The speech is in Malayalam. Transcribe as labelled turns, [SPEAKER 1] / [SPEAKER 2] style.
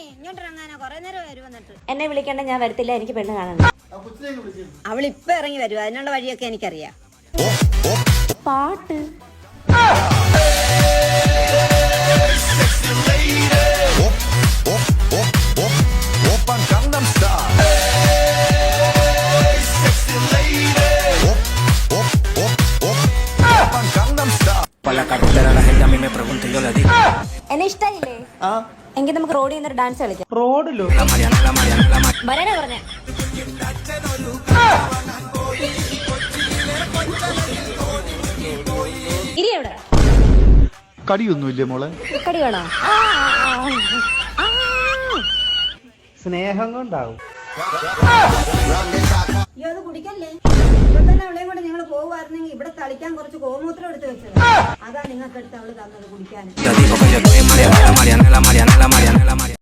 [SPEAKER 1] എന്നെ വിളിക്കേണ്ട, ഞാൻ വരത്തില്ല, എനിക്ക് പെണ്ണ് കാണണം.
[SPEAKER 2] അവളിപ്പൊ ഇറങ്ങി വരും, അതിനുള്ള വഴിയൊക്കെ എനിക്കറിയാം.
[SPEAKER 1] പാട്ട് എന്നെ ഇഷ്ടായില്ലേ? എങ്കിൽ നമുക്ക് റോഡിൽ നിന്നൊരു ഡാൻസ് കളിക്കാം.
[SPEAKER 3] റോഡിലോ?
[SPEAKER 1] വരാനാ പറഞ്ഞേ. ഇരി എവിടെ?
[SPEAKER 4] കടിയൊന്നുമില്ലേ മോളെ?
[SPEAKER 1] കടി വേണോ?
[SPEAKER 3] സ്നേഹം കൊണ്ടാവും.
[SPEAKER 2] അയ്യോ, അത് കുടിക്കല്ലേ. ഇപ്പൊ തന്നെ അവളെയും കൊണ്ട് നിങ്ങൾ പോകുമായിരുന്നെങ്കിൽ ഇവിടെ തളിക്കാൻ കുറച്ച് ഗോമൂത്രം എടുത്ത് വെച്ചത്. അതാ നിങ്ങൾക്ക് എടുത്ത് അവള് തന്നത് കുടിക്കാൻ.